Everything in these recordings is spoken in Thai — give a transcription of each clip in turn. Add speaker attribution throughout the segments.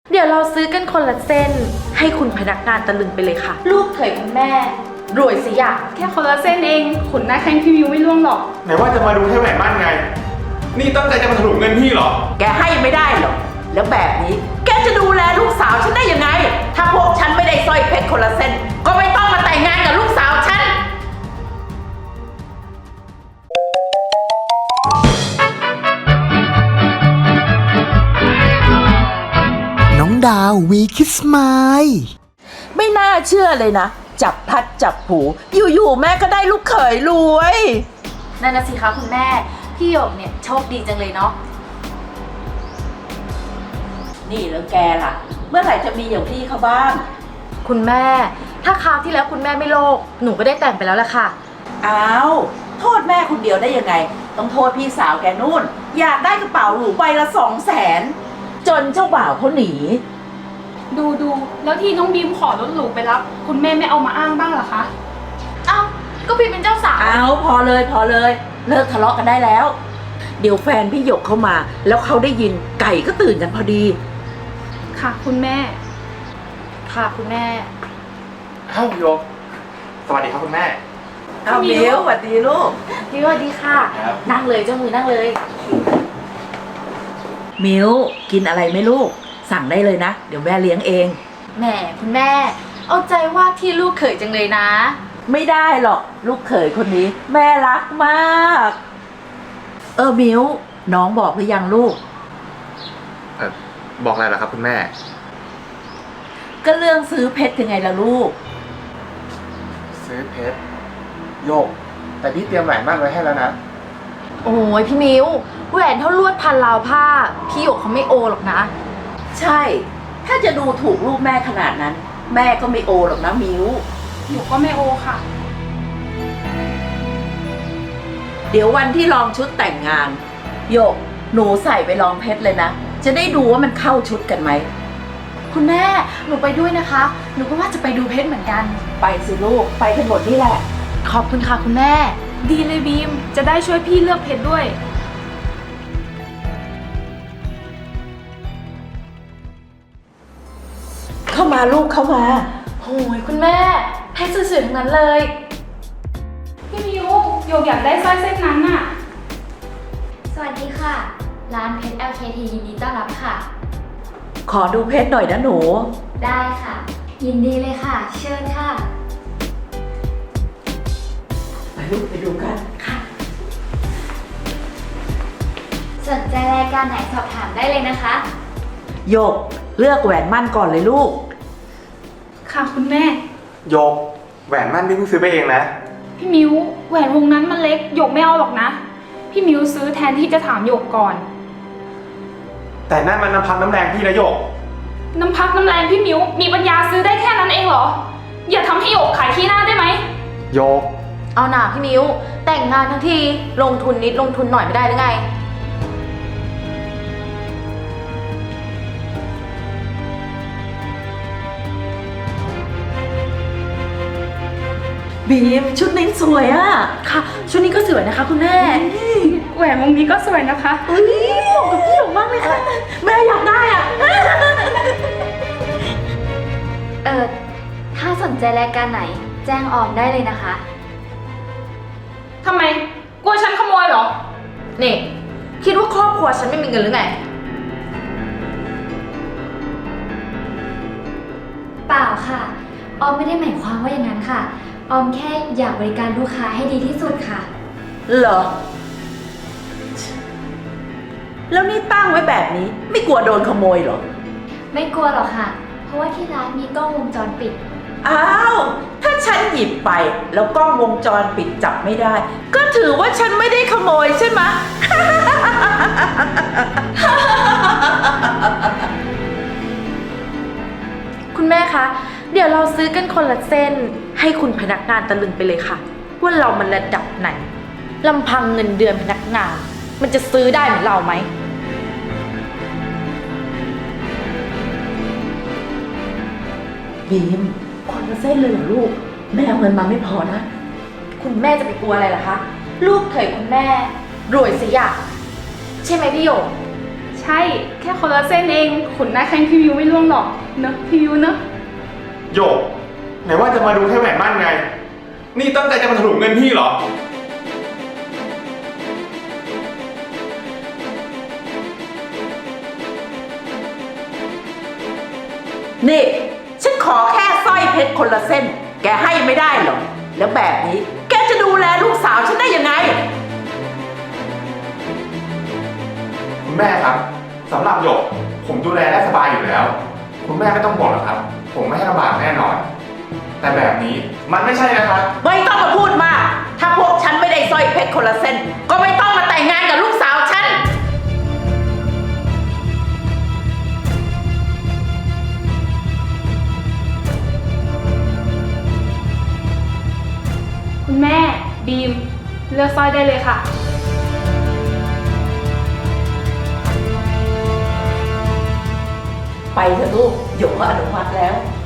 Speaker 1: เดี๋ยวเราซื้อกันคนละเส้นให้คุณพนักงานตะลึงไปเลยค่ะ ลูกเขยคุณแม่รวยสิอย่าง
Speaker 2: แค่คนละเส้นเองขนหน้าแข้งพี่มิวไม่ร่วงหรอก
Speaker 3: ไหนว่าจะมาดูแค่แหวนมั่นไง นี่ตั้งใจจะมาถลุงเงินพี่เหรอ
Speaker 4: แกให้ไม่ได้หรอกแล้วแบบนี้แกจะดูแลลูกสาวฉันได้ยังไงถ้าพวกฉันไม่ได้สร้อยเพชรคนละเส้นก็ไม่ต้องมาแต่งงานกับลูกสาวฉัน
Speaker 5: น้องดาววีคิสไมล์
Speaker 4: ไม่น่าเชื่อเลยนะจับพลัดจับผลูอยู่ๆแม่ก็ได้ลูกเขยรวย
Speaker 1: นั่นนะสิคะคุณแม่พี่หยกเนี่ยโชคดีจังเลยเนาะ
Speaker 4: นี่แล้วแกล่ะ เมื่อไหร่จะมีอย่างพี่เขาบ้าง
Speaker 1: คุณแม่ถ้าคราวที่แล้วคุณแม่ไม่โลภหนูก็ได้แต่งไปแล้วแหละค่ะ
Speaker 4: อ้าวโทษแม่คนเดียวได้ยังไง ต้องโทษพี่สาวแกนู่น อยากได้กระเป๋าหรูใบละ200,000จนเจ้าบ่าวเขาหนี
Speaker 2: ดูแล้วที่น้องบีมขอรถหรูไปรับคุณแม่ไม่เอามาอ้างบ้างเหรอคะ
Speaker 1: เอ้าก็พี่เป็นเจ้าสาว
Speaker 4: เอาพอเลยเลิกทะเลาะกันได้แล้ว เดี๋ยวแฟนพี่หยกเข้ามาแล้วเขาได้ยินไก่ก็ตื่นกันพอดี
Speaker 2: ค่ะคุณแม่
Speaker 1: ค่ะคุณแม่
Speaker 3: เอ้าโยก สวัสดีครับคุณแม่
Speaker 4: เอาเบลสวัสดีลูก
Speaker 1: พี่สวัสดีค่ะ
Speaker 3: ครับ
Speaker 1: นั่งเลยเจ้ามือนั่งเลย
Speaker 4: มิวกินอะไรไหมลูก สั่งได้เลยนะ เดี๋ยวแม่เลี้ยงเอง
Speaker 1: แหมคุณแม่ เอาใจว่าที่ลูกเขยจังเลยนะ
Speaker 4: ไม่ได้หรอกลูกเขยคนนี้ แม่รักมาก มิวน้องบอกหรือยังลูก
Speaker 3: บอกอะไรล่ะครับคุณแม่
Speaker 4: ก็เรื่องซื้อเพชรยังไงล่ะลูก
Speaker 3: ซื้อเพชรโยก แต่พี่เตรียมแหวนมั่นไว้ให้แล้วนะ
Speaker 1: โอ้ยพี่มิวแหวนเท่าลวดพันราวผ้า พี่หยกเขาไม่โอหรอกนะ
Speaker 4: ใช่ ถ้าจะดูถูกลูกแม่ขนาดนั้น แม่ก็ไม่โอหรอกนะมิว
Speaker 2: หนูก็ไม่โอค่ะ
Speaker 4: เดี๋ยววันที่ลองชุดแต่งงานโยกหนูใส่ไปลองเพชรเลยนะ จะได้ดูว่ามันเข้าชุดกันไหม
Speaker 1: คุณแม่หนูไปด้วยนะคะ หนูก็ว่าจะไปดูเพชรเหมือนกัน
Speaker 4: ไปสิลูกไปกันหมดนี่แหละ
Speaker 1: ขอบคุณค่ะคุณแม่
Speaker 2: ดีเลยบีมจะได้ช่วยพี่เลือกเพชรด้วย
Speaker 4: เข้ามาลูกเข้ามา
Speaker 1: โอ้ยคุณแม่เพชรสวยๆทั้งนั้นเลย
Speaker 2: พี่มิวโยกอยากได้สร้อยเส้นนั้นน่ะ
Speaker 6: สวัสดีค่ะ ร้านเพชร LKT ยินดีต้อนรับค่ะ
Speaker 4: ขอดูเพชรหน่อยนะหนู
Speaker 6: ได้ค่ะ ยินดีเลยค่ะ เชิญค่ะ
Speaker 4: ไปลูกไปดูกัน
Speaker 6: สนใจรายการไหนสอบถามได้เลยนะคะ
Speaker 4: โยกเลือกแหวนมั่นก่อนเลยลูก
Speaker 2: ค่ะคุณแม่
Speaker 3: โยก แหวนมั่นพี่เพิ่งซื้อไปเองนะ
Speaker 2: พี่มิวแหวนวงนั้นมันเล็กโยกไม่เอาหรอกนะ พี่มิวซื้อแทนที่จะถามโยกก่อน
Speaker 3: แต่นั่นมันน้ำพักน้ำแรงพี่นะโยก
Speaker 2: น้ำพักน้ำแรงพี่มิวมีปัญญาซื้อได้แค่นั้นเองเหรอ อย่าทำให้โยกขายขี้หน้าได้ไหม
Speaker 3: โยก
Speaker 1: เอาหน่าพี่มิวแต่งงานทั้งทีลงทุนนิดลงทุนหน่อยไม่ได้หรือไง
Speaker 4: บีมชุดนี้สวยอ่ะ
Speaker 1: ค่ะ ชุดนี้ก็สวยนะคะคุณแม่
Speaker 2: แหวนวงนี้ก็สวยนะคะ
Speaker 4: เอ้ยเหมาะกับพี่หยกมากเลยค่ะ แม่อยากได้อ่ะ
Speaker 6: ถ้าสนใจรายการไหน แจ้งออมได้เลยนะคะ
Speaker 2: ทำไม กลัวฉันขโมยเหรอ
Speaker 1: นี่ คิดว่าครอบครัวฉันไม่มีเงินหรือไง
Speaker 6: เปล่าค่ะ ออมไม่ได้หมายความว่าอย่างนั้นค่ะ ออมแค่อยากบริการลูกค้าให้ดีที่สุดค่ะ
Speaker 4: เหรอ แล้วนี่ตั้งไว้แบบนี้ ไม่กลัวโดนขโมยเหรอ
Speaker 6: ไม่กลัวหรอกค่ะ เพราะว่าที่ร้านมีกล้องวงจรปิด
Speaker 4: อ้าว ถ้าฉันหยิบไปแล้วกล้องวงจรปิดจับไม่ได้ ก็ถือว่าฉันไม่ได้ขโมยใช่ไหม
Speaker 1: คุณแม่คะ เดี๋ยวเราซื้อกันคนละเส้นให้คุณพนักงานตะลึงไปเลยค่ะ ว่าเรามันระดับไหนลำพังเงินเดือนพนักงาน มันจะซื้อได้เหมือนเราไหม
Speaker 4: บีมคนละเส้นเลยเหรอลูก แม่เอาเงินมาไม่พอนะ
Speaker 1: คุณแม่จะไปกลัวอะไรล่ะคะ ลูกเขยคุณแม่รวยสิอย่างใช่ไหมพี่หยก
Speaker 4: ใ
Speaker 2: ใช่ แค่คนละเส้นเอง ขนหน้าแข้งพี่มิวไม่ร่วงหรอก เนอะพี่มิวเนอะ
Speaker 3: โยก ไหนว่าจะมาดูแค่แหวนมั่นไง นี่ตั้งใจจะมาถลุงเงินพี่เหรอ
Speaker 4: นี่ฉันขอแค่สร้อยเพชรคนละเส้น แกให้ไม่ได้หรอกแล้วแบบนี้แกจะดูแลลูกสาวฉันได้ยังไง
Speaker 3: คุณแม่ครับสำหรับหยก ผมดูแลได้สบายอยู่แล้ว คุณแม่ไม่ต้องบอกหรอกครับ ผมไม่ให้ลำบากแน่นอน แต่แบบนี้มันไม่ใช่นะครับ
Speaker 4: ไม่ต้องมาพูดมาก ถ้าพวกฉันไม่ได้สร้อยเพชรคนละเส้น ก็ไม่ต้องมาแต่งงานกับลูกสาวฉัน
Speaker 2: คุณแม่ บีม เลือกสร้อยได้เลยค่ะ
Speaker 4: ไปเถอะลูกหยกก็อนุมัติแล้ว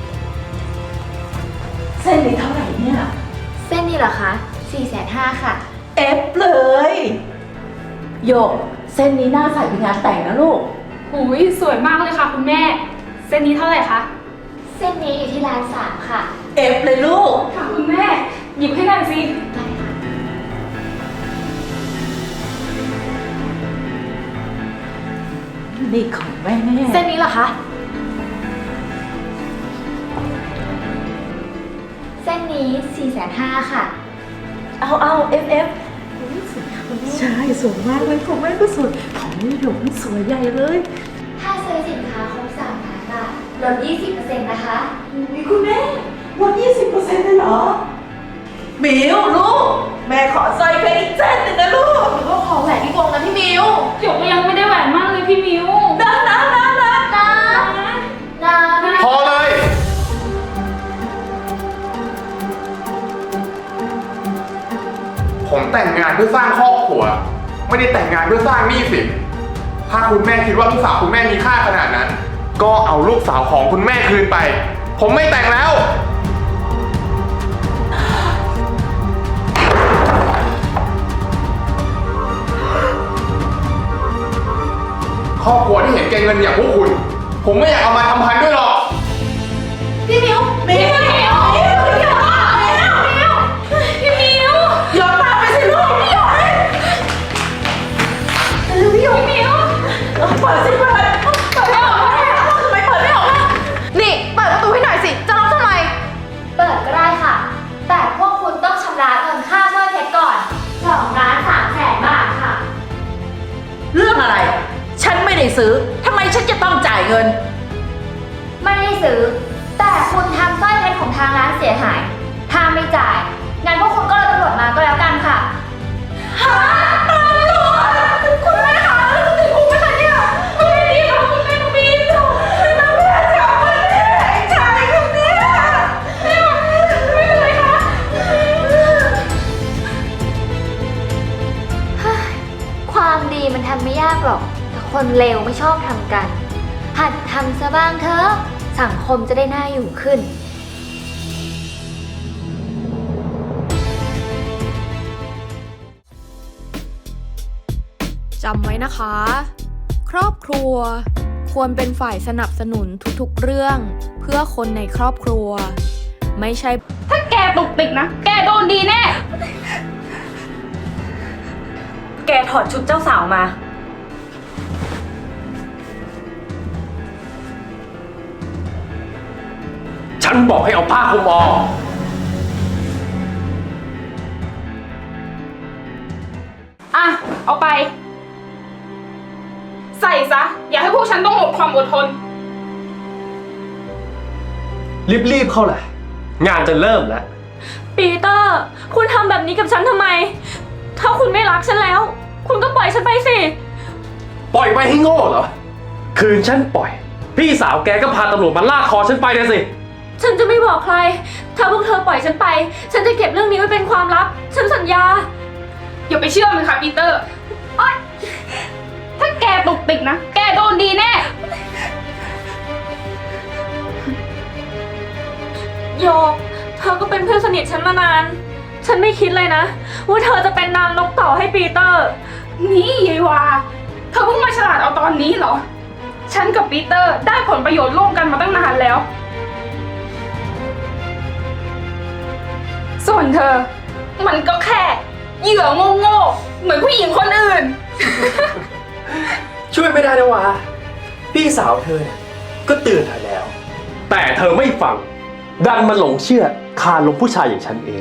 Speaker 4: เส้นนี้เท่าไหร่เนี่ย
Speaker 6: เส้นนี้เหรอคะ 450,000ค่ะ
Speaker 4: เอฟเลยหยกเส้นนี้น่าใส่ไปงานแต่งนะลูก
Speaker 2: หูยสวยมากเลยค่ะคุณแม่ เส้นนี้เท่าไหร่คะ
Speaker 6: เส้นนี้อยู่ที่ร้าน3ค่ะ
Speaker 4: เอฟเลยลูก
Speaker 2: ค่ะคุณแม่ หยิบให้หน่อยสิ
Speaker 6: ได้ค่ะ
Speaker 4: นี่ของแม่
Speaker 1: เส้นนี้เหรอคะ
Speaker 6: เส้นนี้450,000ค่ะ
Speaker 1: เอาเอฟ
Speaker 4: ใช่สวยมากเลยของแม่ก็สวยของนี่หยกนี่สวยใหญ่เลย
Speaker 6: ถ้าซื้อสินค้าครบ3,000 บาทลด 20% นะคะ
Speaker 4: มีคุณแม่ลด 20% เลยเหรอมิวลูก แม่ขอสร้อยเพชรอีกเส้นหนึ่งนะลูก
Speaker 1: ก็ขอแหวนที่วงนะพี่มิว
Speaker 2: หยกก็ยังไม่ได้แหวนมากเลยพี่มิว
Speaker 6: นะ
Speaker 3: พอเลย ผมแต่งงานเพื่อสร้างครอบครัว ไม่ได้แต่งงานเพื่อสร้างหนี้สิน ถ้าคุณแม่คิดว่าลูกสาวคุณแม่มีค่าขนาดนั้น ก็เอาลูกสาวของคุณแม่คืนไป ผมไม่แต่งแล้ว ครอบครัวที่เห็นแก่เงินอย่างพวกคุณ ผมไม่อยากเอามาทำพันด้วยหรอก
Speaker 1: พี่มิว
Speaker 4: มิวมิวมิวมิว
Speaker 2: พี่มิว
Speaker 4: หยกตามไปสิลูกหยก
Speaker 1: พี่มิว
Speaker 4: เปิดสิเปิดไม่ออกทำไมเปิดไม่ออกล่ะ
Speaker 1: นี่เปิดประตูให้หน่อยสิ จะล็อกทำไม
Speaker 6: เปิดก็ได้ค่ะ แต่พวกคุณต้องชำระเงินค่าสร้อยเพชรก่อน2,300,000 บาทค่ะ
Speaker 4: เรื่องอะไร ฉันไม่ได้ซื้อทำไมฉันจะต้องจ่ายเงิน
Speaker 6: ไม่ได้ซื้อ แต่คุณทำสร้อยเพชรของทางร้านเสียหาย ถ้าไม่จ่าย งั้นพวกคุณก็รอตำรวจมาก็แล้วกันค่ะ
Speaker 2: คุณแม่คะติดคุกไหมคะเนี่ยไม่ได้ดีค่ะคุณแม่น้องบีมน้องแม่จับมันเนี่ยไอ้ชายคนเนี้ยไม่เป็นไรคะ
Speaker 6: ความดีมันทำไม่ยากหรอก แต่คนเลวไม่ชอบทำกัน หัดทำซะบ้างเถอะ สังคมจะได้น่าอยู่ขึ้น
Speaker 7: จำไว้นะคะ ครอบครัว ควรเป็นฝ่ายสนับสนุนทุกๆเรื่อง เพื่อคนในครอบครัว ไม่ใช่
Speaker 2: ถ้าแกตุกติกนะ แกโดนดีแน่
Speaker 1: แกถอดชุดเจ้าสาวมา
Speaker 8: ฉันบอกให้เอาผ้าคลุมออก
Speaker 2: อ่ะ เอาไป ใส่ซะ อย่าให้พวกฉันต้องหมดความอดทน
Speaker 8: รีบๆเข้าแหละ งานจะเริ่มแล้ว
Speaker 1: ปีเตอร์ คุณทำแบบนี้กับฉันทำไม ถ้าคุณไม่รักฉันแล้ว คุณก็ปล่อยฉันไปสิ
Speaker 8: ปล่อยไปให้โง่เหรอ คืนฉันปล่อย พี่สาวแกก็พาตำรวจมาลากคอฉันไปนะสิ
Speaker 1: ฉันจะไม่บอกใคร ถ้าพวกเธอปล่อยฉันไป ฉันจะเก็บเรื่องนี้ไว้เป็นความลับ ฉันสัญญา
Speaker 2: อย่าไปเชื่อมันค่ะปีเตอร์โอ๊ยถ้าแกตุกติกนะ แกโดนดีแน่
Speaker 1: โยก เธอก็เป็นเพื่อนสนิทฉันมานาน ฉันไม่คิดเลยนะ ว่าเธอจะเป็นนางนกต่อให้ปีเตอร์
Speaker 2: นี่ยายวาเธอเพิ่งมาฉลาดเอาตอนนี้เหรอ ฉันกับปีเตอร์ได้ผลประโยชน์ร่วมกันมาตั้งนานแล้ว ส่วนเธอ มันก็แค่เหยื่อโง่ๆเหมือนผู้หญิงคนอื่น
Speaker 8: ช่วยไม่ได้นะวะพี่สาวเธอเนี่ยก็เตือนเธอแล้ว แต่เธอไม่ฟัง ดันมาหลงเชื่อคาลมผู้ชายอย่างฉันเอง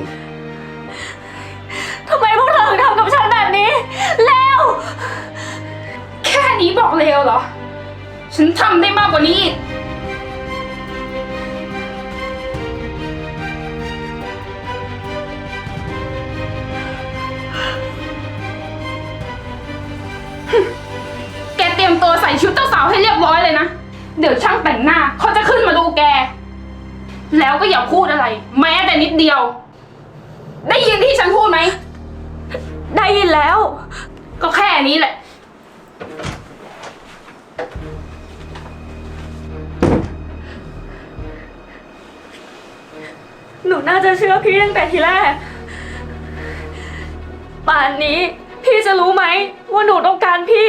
Speaker 6: ทำไมพวกเธอถึงทำกับฉันแบบนี้ แล้ว
Speaker 2: แค่นี้บอกเลวเหรอ ฉันทำได้มากกว่านี้อีก แกเตรียมตัวใส่ชุดเจ้าสาวให้เรียบร้อยเลยนะ เดี๋ยวช่างแต่งหน้าเขาจะขึ้นมาดูแก แล้วก็อย่าพูดอะไร แม้แต่นิดเดียว ได้ยินที่ฉันพูดไหม
Speaker 6: ได้ยินแล้ว
Speaker 2: ก็แค่นี้แหละ
Speaker 6: หนูน่าจะเชื่อพี่ตั้งแต่ทีแรก ป่านนี้พี่จะรู้ไหมว่าหนูต้องการพี่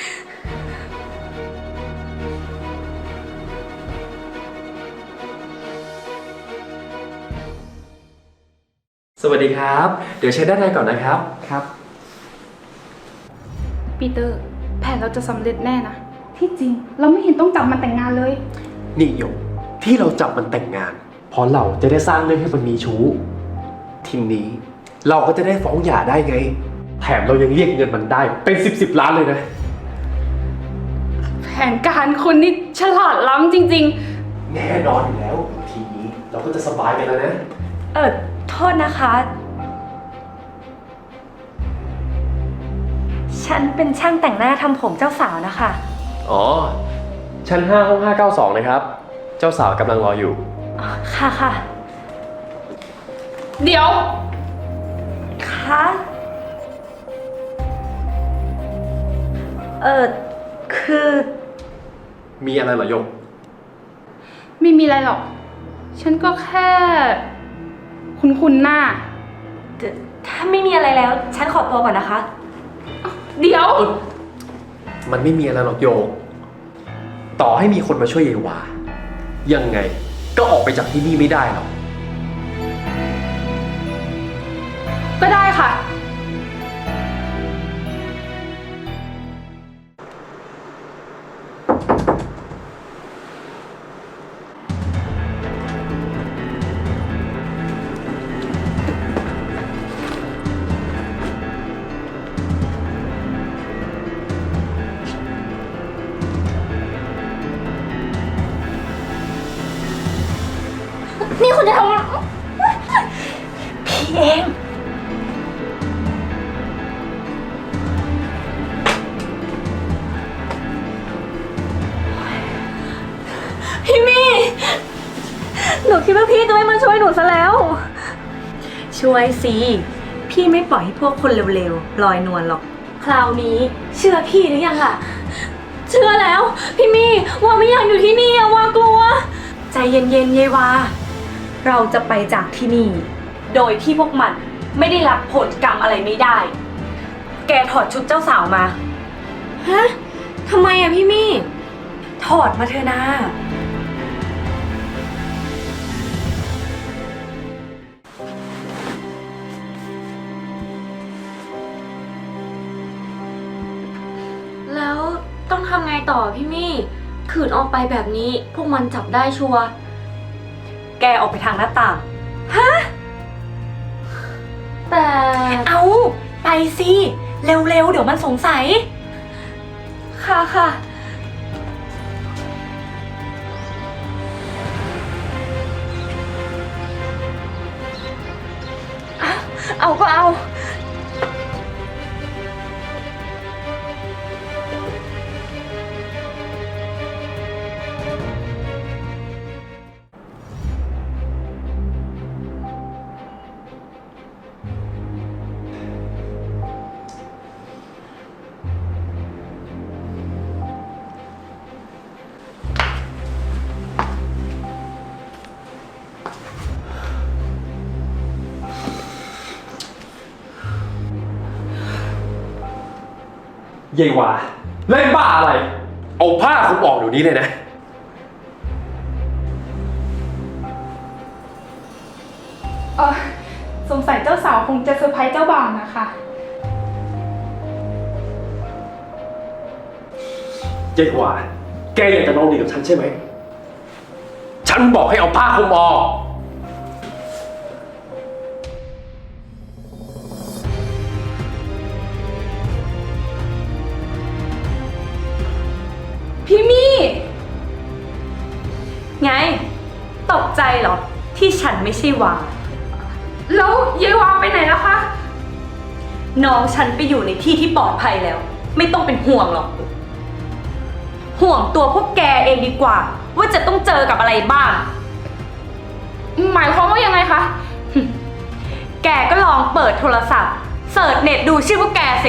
Speaker 8: สวัสดีครับ เดี๋ยวเช็คด้านในก่อนนะครับ ครับ
Speaker 2: ปีเตอร์ แผนเราจะสำเร็จแน่นะ ที่จริง เราไม่เห็นต้องจับมันแต่งงานเลย
Speaker 8: นี่หยกที่เราจับมันแต่งงาน เพราะเราจะได้สร้างเรื่องให้มันมีชู้ ทีนี้เราก็จะได้ฟ้องหย่าได้ไง แถมเรายังเรียกเงินมันได้เป็น10 ล้านเลยนะ
Speaker 2: แผนการคุณนี่ฉลาดล้ำจริง
Speaker 8: แน่นอนอยู่แล้ว ทีนี้เราก็จะสบายไปแล้วนะ
Speaker 6: โทษนะคะ ฉันเป็นช่างแต่งหน้าทำผมเจ้าสาวนะคะ
Speaker 8: อ๋อ ชั้น5ห้อง592นะครับ เจ้าสาวกำลังรออยู่
Speaker 6: ค่ะค่ะ
Speaker 2: ๆ เดี๋ยว
Speaker 6: คะ คือ
Speaker 8: มีอะไรเหรอหยก
Speaker 2: ไม่มีอะไรหรอก ฉันก็แค่คุ้นๆหน้า
Speaker 6: ถ้าไม่มีอะไรแล้ว ฉันขอตัวก่อนนะคะ
Speaker 2: เดี๋ยว
Speaker 8: มันไม่มีอะไรหรอกโยก ต่อให้มีคนมาช่วยเยวา ยังไงก็ออกไปจากที่นี่ไม่ได้หรอก
Speaker 2: ก็ได้ค่ะ
Speaker 6: นี่คุณจะทำอะไรพี่เอง พี่มี่ หนูคิดว่าพี่จะไม่มาช่วยหนูซะแล้ว ช่วยสิ พี่ไม่ปล่อยให้พวกคนเร็วๆลอยนวลหรอก คราวนี้เชื่อพี่หรือยังล่ะ เชื่อแล้ว พี่มี่ว่าไม่อยากอยู่ที่นี่อะว่ากลัว ใจเย็นๆเยวา เราจะไปจากที่นี่ โดยที่พวกมันไม่ได้รับผลกรรมอะไรไม่ได้ แกถอดชุดเจ้าสาวมา ฮะ ทำไมอะพี่มี่ ถอดมาเถอะนะแล้วต้องทำไงต่อพี่มี่ ขืนออกไปแบบนี้พวกมันจับได้ชัวร์ แกออกไปทางหน้าต่าง ฮะ แต่ เอาไปสิ เร็วๆ เดี๋ยวมันสงสัย ค่ะค่ะ เอาก็เอา
Speaker 8: เยวาเล่นบ้าอะไร เอาผ้าคลุมออกเดี๋ยวนี้เลยนะ
Speaker 2: สงสัยเจ้าสาวคงจะเซอร์ไพรส์เจ้าบ่าวนะคะ
Speaker 8: เจ๊กว่า แกอยากจะลองดีกับฉันใช่ไหม ฉันบอกให้เอาผ้าคลุมออก
Speaker 2: พี่มี่
Speaker 6: ไง ตกใจเหรอ ที่ฉันไม่ใช่วา
Speaker 2: แล้วยายวาไปไหนแล้วคะ
Speaker 6: น้องฉันไปอยู่ในที่ที่ปลอดภัยแล้ว ไม่ต้องเป็นห่วงหรอก ห่วงตัวพวกแกเองดีกว่า ว่าจะต้องเจอกับอะไรบ้าง
Speaker 2: หมายความว่ายังไงคะ
Speaker 6: แกก็ลองเปิดโทรศัพท์เสิร์ชเน็ตดูชื่อพวกแกสิ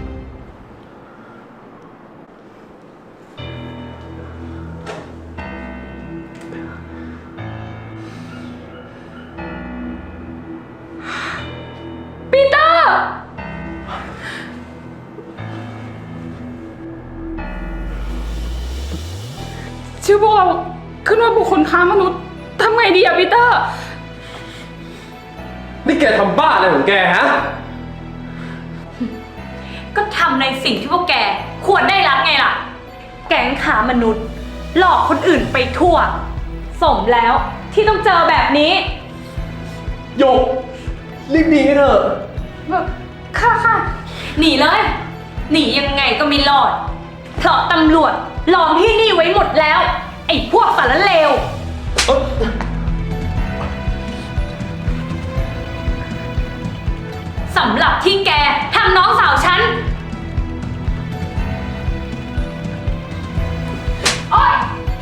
Speaker 2: ปีเตอร์ ชื่อพวกเราขึ้นว่าบุคคลค้ามนุษย์ทำไงดีอะปีเตอร์
Speaker 8: นี่แกทำบ้าอะไรของแกฮะ
Speaker 6: ก็ทำในสิ่งที่พวกแกควรได้รับไงล่ะ แก๊งค้ามนุษย์ หลอกคนอื่นไปทั่ว สมแล้วที่ต้องเจอแบบนี้
Speaker 8: โยก รีบหนีกันเถอะ
Speaker 2: ค่ะ
Speaker 6: หนีเลย หนียังไงก็ไม่รอด เพราะตำรวจล้อมที่นี่ไว้หมดแล้ว ไอ้พวกสารเลว สำหรับที่แกทำน้องสาวฉัน โอ๊ย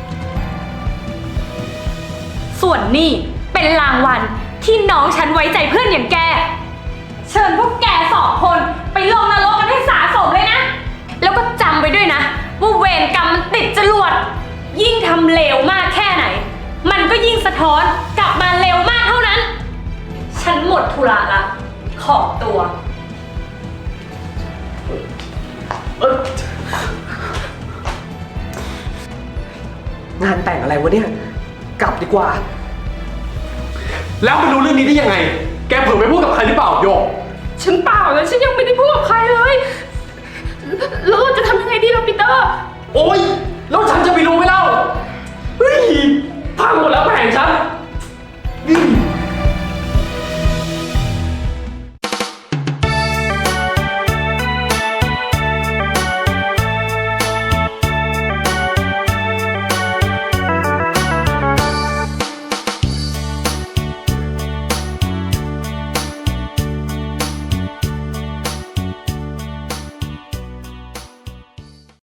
Speaker 6: ส่วนนี่เป็นรางวัลที่น้องฉันไว้ใจเพื่อนอย่างแก เชิญพวกแก2 คนไปลงนรกกันให้สาสมเลยนะ แล้วก็จำไว้ด้วยนะว่าเวรกรรมมันติดจรวด ยิ่งทำเลวมากแค่ไหน มันก็ยิ่งสะท้อนกลับมาเร็วมากเท่านั้น ฉันหมดธุระละ ขอตัว
Speaker 8: งานแต่งอะไรวะเนี่ย กลับดีกว่า แล้วไปรู้เรื่องนี้ได้ยังไง แกเผลอไปพูดกับใครหรือเปล่าโยก
Speaker 2: ฉันเปล่าเลยฉันยังไม่ได้พูดกับใครเลยแล้วเราจะทำยังไงดีล่ะปีเตอร์
Speaker 8: โอ๊ย แล้วฉันจะไปรู้ไหมเล่า